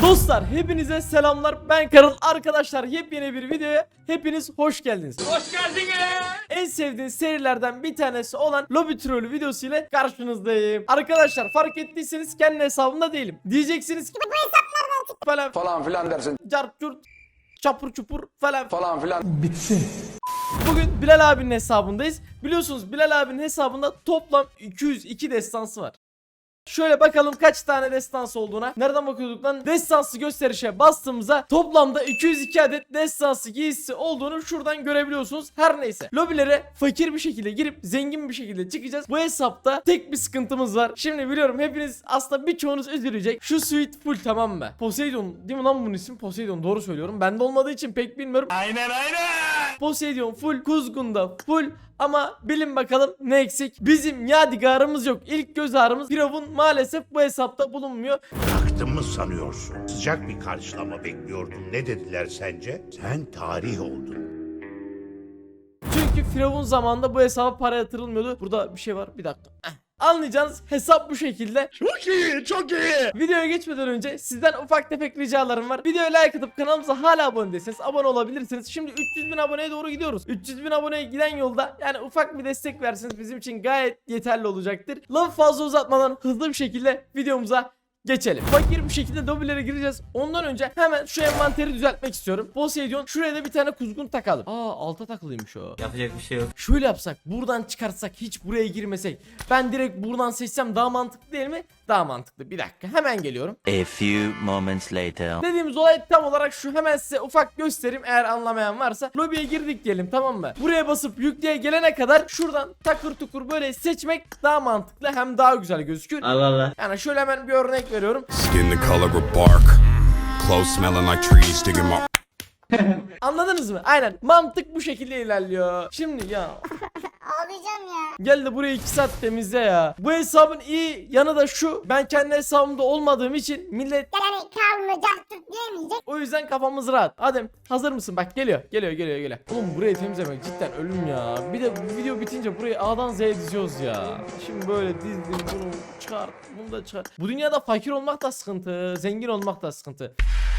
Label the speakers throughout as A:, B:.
A: Dostlar hepinize selamlar, ben Karıl. Arkadaşlar yepyeni bir videoya hepiniz hoş geldiniz. Hoş geldiniz. En sevdiğiniz serilerden bir tanesi olan Lobby Trollü videosu ile karşınızdayım. Arkadaşlar fark ettiyseniz kendi hesabımda değilim. Diyeceksiniz ki bu hesaplardan çık falan filan dersin. Cart curt çapur çupur falan filan. Bitsin. Bugün Bilal abinin hesabındayız. Biliyorsunuz Bilal abinin hesabında toplam 202 destansı var. Şöyle bakalım kaç tane destansı olduğuna. Nereden bakıyorduk lan? Destansı gösterişe bastığımızda toplamda 202 adet destansı giysisi olduğunu şuradan görebiliyorsunuz. Her neyse. Lobilere fakir bir şekilde girip zengin bir şekilde çıkacağız. Bu hesapta tek bir sıkıntımız var. Şimdi biliyorum hepiniz aslında birçoğunuz üzülecek. Şu suite full, tamam mı? Poseidon değil mi lan bunun ismi? Poseidon, doğru söylüyorum. Bende olmadığı için pek bilmiyorum. Aynen. Poseidon full, Kuzgun'da full. Ama bilin bakalım ne eksik? Bizim yadigarımız yok. İlk göz ağrımız Firavun maalesef bu hesapta bulunmuyor.
B: Bıraktın mı sanıyorsun? Sıcak bir karşılama bekliyordun. Ne dediler sence? Sen tarih oldun.
A: Çünkü Firavun zamanında bu hesaba para yatırılmıyordu. Burada bir şey var, bir dakika. Anlayacağınız hesap bu şekilde.
B: Çok iyi, çok iyi.
A: Videoya geçmeden önce sizden ufak tefek ricalarım var. Videoya like atıp kanalımıza hala abone değilseniz abone olabilirsiniz. Şimdi 300.000 aboneye doğru gidiyoruz. 300.000 aboneye giden yolda yani ufak bir destek verseniz bizim için gayet yeterli olacaktır. Lafı fazla uzatmadan hızlı bir şekilde videomuza geçelim. Fakir bir şekilde lobilere gireceğiz. Ondan önce hemen şu envanteri düzeltmek istiyorum. Poseidon, şuraya da bir tane kuzgun takalım. Alta takılıymış o.
C: Yapacak bir şey yok.
A: Şöyle yapsak, buradan çıkartsak, hiç buraya girmesek. Ben direkt buradan seçsem daha mantıklı değil mi? Daha mantıklı. Bir dakika, hemen geliyorum.
D: A few moments later.
A: Dediğimiz olay tam olarak şu, hemen size ufak göstereyim eğer anlamayan varsa. Lobiye girdik diyelim, tamam mı? Buraya basıp yükleye gelene kadar şuradan takır tukur böyle seçmek daha mantıklı, hem daha güzel gözükür.
C: Allah Allah.
A: Yani şöyle hemen bir örnek veriyorum.
E: Skin the color of bark. Clothes smelling like trees digging my.
A: Anladınız mı? Aynen. Mantık bu şekilde ilerliyor. Şimdi ya.
F: Ağlayacağım ya.
A: Gel de burayı 2 saat temizle ya. Bu hesabın iyi yanı da şu. Ben kendi hesabımda olmadığım için millet
F: Yani kalmayacak Türk diyemeyecek.
A: o yüzden kafamız rahat. Adem hazır mısın? Bak geliyor. Geliyor. Oğlum burayı temizlemek cidden ölüm ya. Bir de bu video bitince burayı A'dan Z'ye diziyoruz ya. Şimdi böyle dizdim, bunu çıkar, bunu da çıkar. Bu dünyada fakir olmak da sıkıntı, zengin olmak da sıkıntı.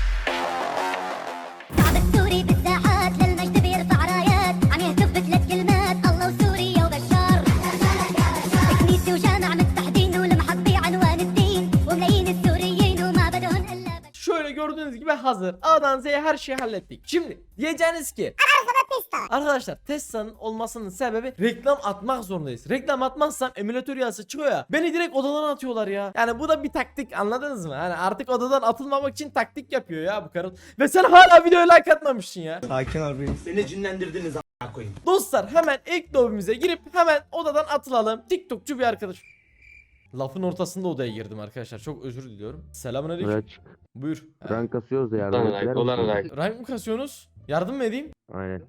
F: شعب السوري بالساحات للمجد بيرفع رايات عم يهتف بثلاث كلمات الله وسوريا وبشار كنيسة وجامع متحدين والمحطي عنوان الدين وملايين السوريين وما بدهم الا
A: Şöyle gördüğünüz gibi hazır. A'dan Z'ye her şeyi hallettik. Şimdi diyeceğiniz ki arkadaşlar Tesla'nın olmasının sebebi reklam atmak zorundayız. Reklam atmazsam emülatör yazısı çıkıyor ya. Beni direkt odadan atıyorlar ya. Yani bu da bir taktik, anladınız mı? Yani artık odadan atılmamak için taktik yapıyor ya bu karın. Ve sen hala videoya like atmamışsın ya.
C: Beni cinlendirdiniz koyayım.
A: Dostlar hemen ilk lobimize girip hemen odadan atılalım. TikTokçu bir arkadaş. Lafın ortasında odaya girdim arkadaşlar. Çok özür diliyorum. Selamünaleyküm.
G: Evet.
A: Buyur.
G: Rank kasıyoruz da yardım ettiler mi?
A: Rank mı kasıyorsunuz? Yardım mı edeyim?
G: Aynen.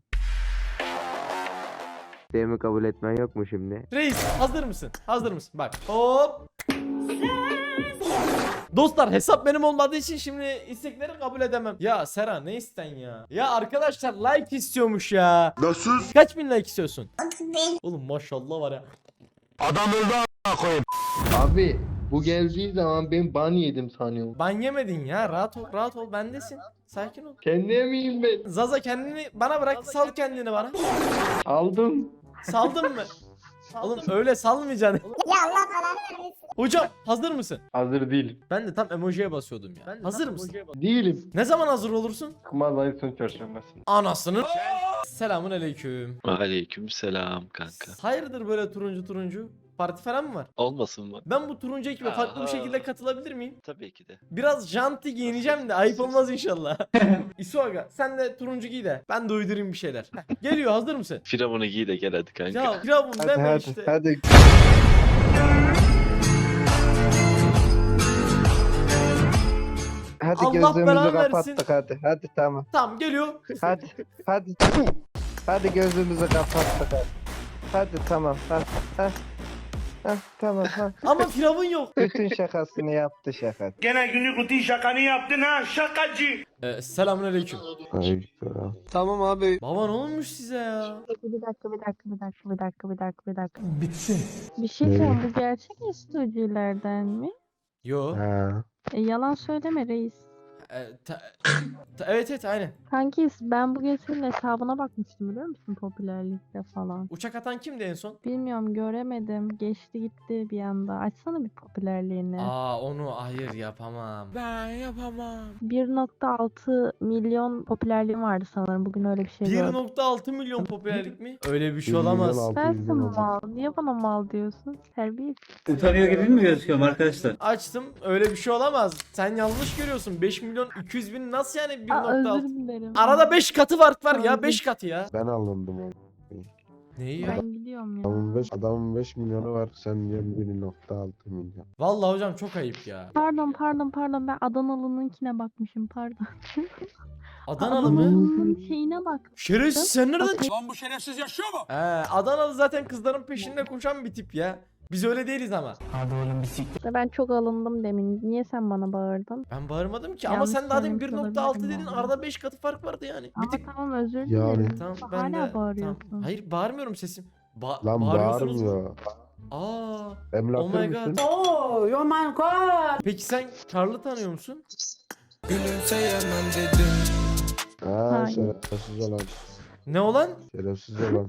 G: İsteğimi kabul etmen yok mu şimdi?
A: Reis hazır mısın? Hazır mısın? Bak. Hop. Dostlar hesap benim olmadığı için şimdi istekleri kabul edemem. Ya Sera ne isten ya? Ya arkadaşlar like istiyormuş ya.
B: Nasıl?
A: Kaç bin like istiyorsun? Oğlum maşallah var ya.
B: Adam öldü a**a koyayım.
H: Abi bu geldiği zaman ben ban yedim sanıyorum.
A: Ban yemedin ya, rahat ol bendesin. Sakin ol.
H: Kendine miyim ben?
A: Zaza kendini bana bırak, sal kendini bana.
H: Aldım.
A: Saldın mı? Oğlum öyle salmayacaksın.
F: Ya Allah falan vermesin.
A: Hocam hazır mısın?
H: Hazır değilim.
A: Ben de tam emojiye basıyordum ya. Hazır mısın?
H: Değilim.
A: Ne zaman hazır olursun?
H: Kumaz ayı son çarşambasın.
A: Anasının. Selamun aleyküm.
I: Aleyküm selam kanka.
A: Hayırdır böyle turuncu? Parti falan mı var?
I: Olmasın mı?
A: Ben bu turuncu ekibe farklı bir şekilde katılabilir miyim?
I: Tabii ki de.
A: Biraz janti giyineceğim de ayıp olmaz inşallah. İsuaga sen de turuncu giy de ben de uydurayım bir şeyler. Geliyor, hazır mısın?
I: Firavunu giy de gel hadi kanka.
A: Ya Firavun deme işte.
H: hadi. Hadi
A: Allah
H: gözümüzü
A: belanı versin.
H: kapattık hadi tamam.
A: Tamam geliyor.
H: Hadi hadi gözümüzü kapattık hadi tamam tamam
A: Ama Firavun yok.
H: bütün şakasını yaptı şaka.
B: Gene günlük rutin şakanı yaptın ha şakacı.
A: Selamun aleyküm.
H: Tamam abi.
A: Baba ne olmuş size ya?
J: Bir dakika. Bitsin. Bir şey söyleyeyim, bu gerçek istoculardan mi?
A: Yo.
G: Ha.
J: Yalan söyleme reis.
A: Evet aynen.
J: Kanki ben bugün senin hesabına bakmıştım biliyor musun popülerlikte falan.
A: Uçak atan kimdi en son?
J: Bilmiyorum göremedim. Geçti gitti bir anda. Açsana bir popülerliğini.
A: Onu hayır yapamam. Ben yapamam.
J: 1.6 milyon popülerliğim vardı sanırım. Bugün öyle bir şey gördüm.
A: 1.6 milyon popülerlik mi? Öyle bir şey olamaz.
J: Sensin mal. Niye bana mal diyorsun? Terbiyesiz.
C: Utanıyor gibi mi gözüküyorum arkadaşlar?
A: Açtım. Öyle bir şey olamaz. Sen yanlış görüyorsun. 5 milyon 200 bin nasıl yani
J: Aa, özür
A: 1.6?
J: dilerim.
A: Arada 5 katı fark var ya.
J: Anladım.
A: 5 katı ya.
G: Ben alındım onu.
A: Neyi ya?
J: Ben gidiyorum ya.
G: Adamın 5 milyonu var. Sen diyor 1.6 milyon.
A: Vallahi hocam çok ayıp ya.
J: Pardon. Ben Adanalı'nınkine bakmışım pardon.
A: Adanalı mı?
J: Adanalı'nın şeyine bak.
A: Şerefsiz sen nereden çıktın?
E: Lan bu şerefsiz yaşıyor mu?
A: Adanalı zaten kızların peşinde koşan bir tip ya. Biz öyle değiliz ama.
J: Ben çok alındım demin. Niye sen bana bağırdın?
A: Ben bağırmadım ki ama
J: Yanlış
A: sen daha demin
J: söylemiş
A: 1.6
J: olabilirim
A: dedin.
J: vallahi.
A: Arada 5 katı fark vardı yani. Bir
J: Ama
A: tık.
J: tamam özür
G: Yani.
J: dilerim.
A: Tamam
J: Hala
A: ben de.
J: bağırıyorsun.
A: Tamam. Hayır bağırmıyorum sesim.
G: Lan
A: Bağırıyorsunuz mu?
G: bağırmıyor.
A: Aa.
G: Emlakçı
A: Oh my
G: mısın?
A: god. Peki sen Karl'ı tanıyor musun?
G: Ha
J: Hayır.
G: şerefsiz olan.
A: Ne olan?
G: Şerefsiz olan.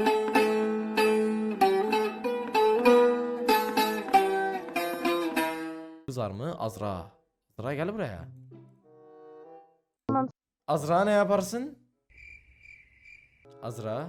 A: Kızar mı? Azra. Azra gel buraya.
J: Tamam.
A: Azra ne yaparsın? Azra.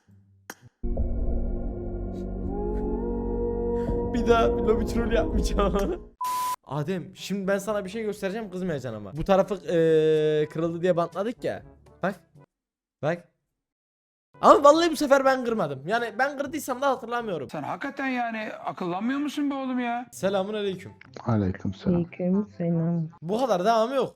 A: Bir daha lobi troll yapmayacağım. Adem şimdi ben sana bir şey göstereceğim kızmayacaksın ama. Bu tarafı kırıldı diye bantladık ya. Bak. Bak. Ama vallahi bu sefer ben kırmadım. Yani ben kırdıysam da hatırlamıyorum.
E: Sen hakikaten yani akıllanmıyor musun be oğlum ya?
A: Selamun aleyküm.
G: Aleykümselam.
K: Selam.
A: Bu kadar devamı yok.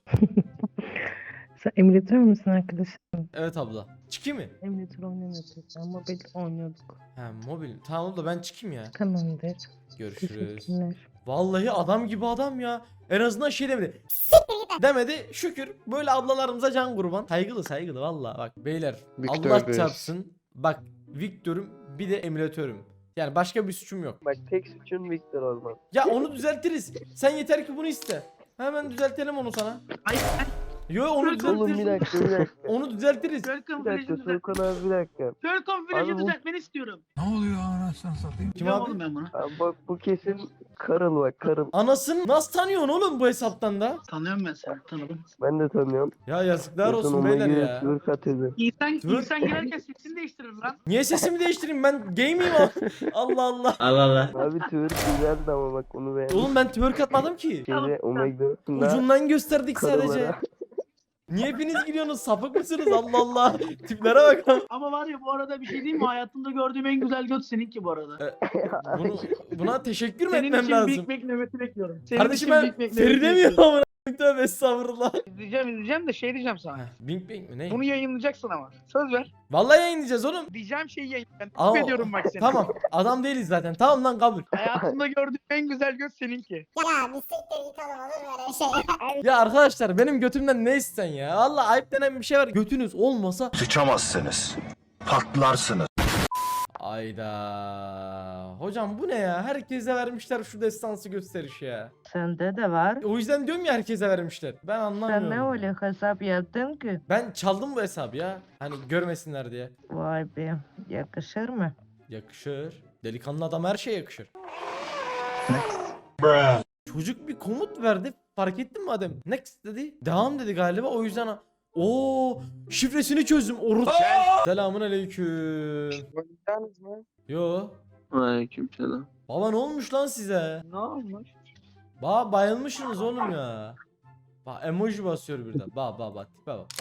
K: Sen emülatör müsün arkadaşım?
A: Evet abla. Çıkayım mı?
K: Emülatör oynamıyorduk. Ben mobil oynuyorduk.
A: He mobil. Tamam abla ben çıkayım ya.
K: Tamamdır.
A: Görüşürüz.
K: Teşekkürler.
A: Vallahi adam gibi adam ya. En azından şey demedi. Demedi. Şükür. Böyle ablalarımıza can kurban. Saygılı vallahi. Bak beyler
H: Victor
A: Allah
H: Reis.
A: çarpsın. Bak Victor'um bir de emülatörüm. Yani başka bir suçum yok.
G: Bak tek suçun Victor olmaz.
A: Ya onu düzeltiriz. Sen yeter ki bunu iste. Hemen düzeltelim onu sana. Yo onu
G: Oğlum
A: düzeltiriz.
G: bir dakika.
A: Onu düzeltiriz.
G: Bir dakika Soykan abi bir dakika. Abi bu,
C: ben istiyorum.
E: Ne oluyor anasını satayım?
A: Kim abi?
C: ben bunu.
G: abi bak bu kesin Karıl bak Karıl.
A: Anasını nasıl tanıyorsun oğlum bu hesaptan da?
C: Tanıyorum ben seni, tanıdım.
G: Ben de tanıyorum.
A: Ya yazıklar
G: Yakın
A: olsun
G: ona
A: beyler
G: göre
A: ya.
G: Türk atıyordu.
C: İnsan girerken sesini değiştirir lan.
A: Niye sesimi değiştireyim ben gay miyim o? Allah Allah.
C: Allah Allah.
G: Abi Türk güzeldi ama bak onu beğendim.
A: Oğlum ben twerk atmadım ki.
G: Şeyde Omega'sında
A: Ucundan gösterdik sadece.
G: karılara.
A: Niye hepiniz gülüyorsunuz? Sapık mısınız? Allah Allah. Tiplere bak.
C: Ama var ya bu arada bir şey diyeyim mi? Hayatımda gördüğüm en güzel göt seninki bu arada.
A: Buna teşekkür mü
C: Senin
A: etmem
C: için
A: lazım?
C: Big Mac nöbeti bekliyorum. Senin
A: Kardeşim
C: için
A: ben
C: Big Mac
A: Feride
C: nöbeti
A: miyim
C: bekliyorum.
A: amına? Tövbe estağfurullah.
C: İzleyeceğim de şey diyeceğim sana.
A: Bing bing mi ne?
C: Bunu yayınlayacaksın ama. Söz ver.
A: Vallahi yayınlayacağız oğlum.
C: Diyeceğim şeyi yayınlayacağım.
A: Ama-
C: Takip ediyorum bak seni.
A: Tamam. Adam değiliz zaten. Tamam lan kabul.
C: Hayatımda gördüğüm en güzel göt seninki.
F: Ya bir siktir git oğlum olur böyle şey.
A: Ya arkadaşlar benim götümden ne isten ya? Vallahi ayıp denen bir şey var. Götünüz olmasa
B: Sıçamazsınız. Patlarsınız.
A: ayda. Hocam bu ne ya? Herkese vermişler şu destansı gösteriş ya.
K: Sende de var.
A: O yüzden diyorum ya herkese vermişler. Ben anlamıyorum.
K: Sen ne öyle hesap yaptın ki?
A: Ben çaldım bu hesabı ya. Hani görmesinler diye.
K: Vay be. Yakışır mı?
A: Yakışır. Delikanlı adam her şeye yakışır. Çocuk bir komut verdi. Fark ettin mi Adem? Next dedi. Devam dedi galiba. O yüzden o şifresini çözdüm. Selamun aleyküm. Yo.
I: Aleykümselam.
A: Baba ne olmuş lan size?
C: Ne olmuş?
A: Bayılmışsınız oğlum ya. Bak emoji basıyor birden. Bak tipe bak.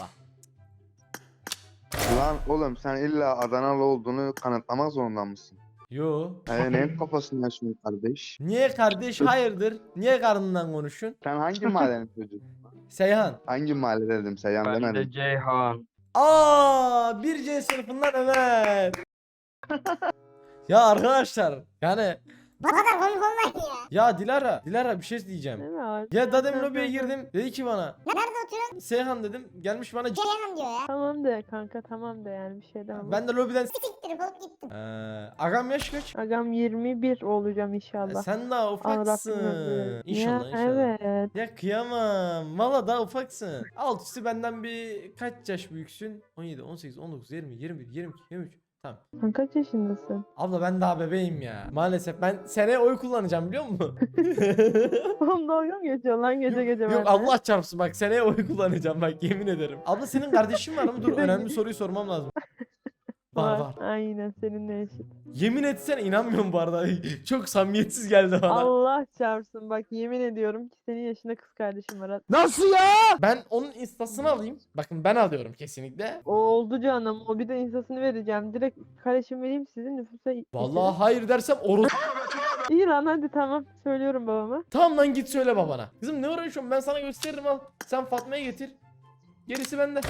H: Lan oğlum sen illa Adanalı olduğunu kanıtlamak zorunda mısın?
A: Yo.
H: Neyin kafasını yaşıyorsun kardeş?
A: Niye kardeş hayırdır? Niye karnından konuşun?
H: Sen hangi mahallenin çocuğusun?
A: Seyhan.
H: Hangi mahalle dedim Seyhan demedim.
I: Ceyhan.
A: Aa, 1C sınıfından Ömer. Ya arkadaşlar yani
F: Bu kadar komik olmayın ya.
A: Ya Dilara bir şey diyeceğim.
J: Değil mi abi?
A: Ya dedim lobiye girdim. Dedi ki bana
F: Nerede oturuyorsun?
A: Seyhan dedim. Gelmiş bana
F: Ceyhan diyor ya.
J: Tamam de kanka tamam de yani bir şey demem.
A: ben de lobiden
F: Siktirip olup gittim.
A: agam yaş kaç?
J: Agam 21 olacağım inşallah.
A: Sen daha
J: Allah
A: ufaksın.
J: bilmem.
A: İnşallah
J: Ya,
A: inşallah.
J: evet.
A: Ya kıyamam. Valla daha ufaksın. Alt üstü benden bir kaç yaş büyüksün? 17, 18, 19, 20, 21, 22, 23. Tamam.
J: Sen kaç yaşındasın?
A: Abla ben daha bebeğim ya. Maalesef ben seneye oy kullanacağım biliyor musun?
J: Oğlum dalga mı geçiyorsun lan gece gece
A: Yok
J: benimle?
A: Allah çarpsın bak seneye oy kullanacağım bak yemin ederim. Abla senin kardeşin var mı? Dur önemli soruyu sormam lazım. Var.
J: Aynen seninle eşit.
A: Yemin etsene inanmıyorum bu arada. Çok samimiyetsiz geldi bana.
J: Allah çarpsın bak yemin ediyorum ki senin yaşında kız kardeşim var.
A: Nasıl ya? Ben onun instasını alayım. Bakın ben alıyorum kesinlikle.
J: O oldu canım. O bir de instasını vereceğim. Direkt kardeşim vereyim sizin nüfusa.
A: Vallahi hayır dersem
J: İyi lan hadi tamam. Söylüyorum babama.
A: Tamam lan git söyle babana. Kızım ne uğraşıyorsun ben sana gösteririm al. Sen Fatma'ya getir. Gerisi bende.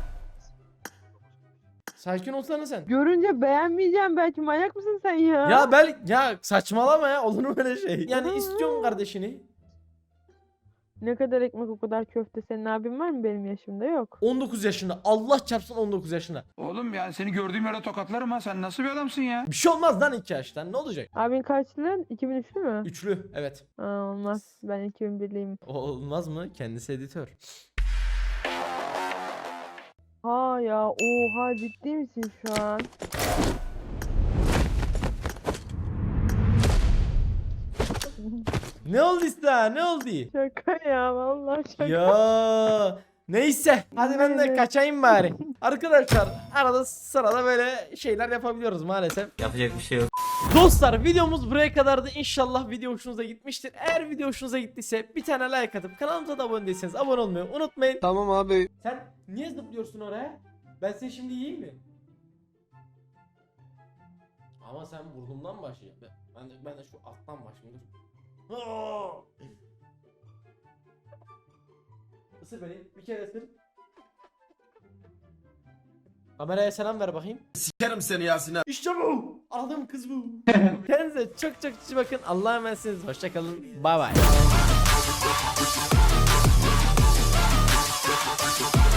A: Sakin olsana sen.
J: Görünce beğenmeyeceğim belki manyak mısın sen ya?
A: Ya saçmalama ya olur mu böyle şey? Yani istiyorum kardeşini.
J: Ne kadar ekmek o kadar köfte. Senin abin var mı benim yaşımda? Yok.
A: 19 yaşında. Allah çarpsın 19 yaşında.
E: Oğlum yani seni gördüğüm yere tokatlarım ha. Sen nasıl bir adamsın ya?
A: Bir şey olmaz lan 2 yaştan. Ne olacak?
J: Abin kaçlı? 2003'lü mü?
A: Üçlü. Evet.
J: Aa, olmaz. Ben 2001'liyim.
A: Olmaz mı? Kendisi editör.
J: Ha ya oha ciddi misin şu an?
A: Ne oldu işte? Ne oldu?
J: Şaka ya vallahi şaka.
A: Ya neyse. Hadi ben de
J: Evet.
A: kaçayım bari. Arkadaşlar arada sırada böyle şeyler yapabiliyoruz maalesef.
D: Yapacak bir şey yok.
A: Dostlar videomuz buraya kadardı. İnşallah video hoşunuza gitmiştir. Eğer video hoşunuza gittiyse bir tane like atıp kanalımıza da abone değilseniz abone olmayı unutmayın.
G: Tamam abi.
A: Sen niye zıplıyorsun oraya? Ben seni şimdi yiyeyim mi? Ama sen burnumdan başlayacaksın. Ben de şu alttan başlayayım. Dur. Aa! Isır beni. Bir kere ısır. Kameraya selam ver bakayım.
E: Sikerim seni Yasin abi.
A: İşte bu. Aradığım kız bu. Kendinize çok çok iyi bakın. Allah'a emanetsiniz. Hoşçakalın. Bay bay.